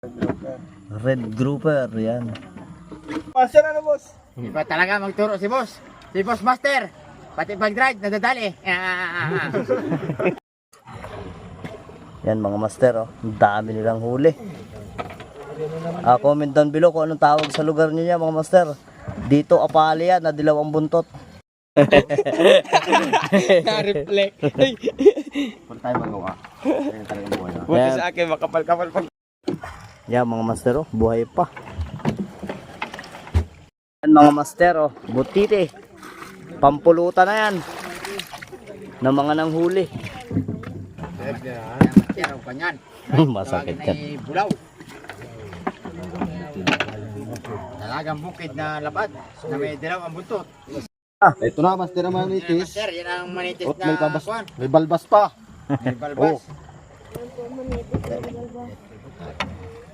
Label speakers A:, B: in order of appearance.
A: Red grouper, yan.
B: Master ano, boss?
C: Iba talaga magturo si boss. Si boss master. Pati pag-drive, nadadali.
A: Yan mga master, oh. Ang dami nilang huli. Comment down below kung anong tawag sa lugar niyo mga master. Dito apali yan, nadilaw ang buntot.
B: Na-reflect.
C: Wala tayo magawa. Kaya talagang buhay na.
B: Buti sa akin, makapal-kapal pa.
A: Yan mga master, oh. Buhay pa. Yan mga master, oh. Butiti. Pampulutan na yan. Ng mga nanghuli.
C: Tiraw pa niyan.
A: Masakit yan.
C: Ay bulaw. Talagang bukid na lapad na may dilaw ang buntot.
D: Ito na, master na manitis.
C: Master, yan ang manitis
D: At
C: na
D: may,
C: kuwan.
D: may balbas pa.
C: May balbas.
D: Oh.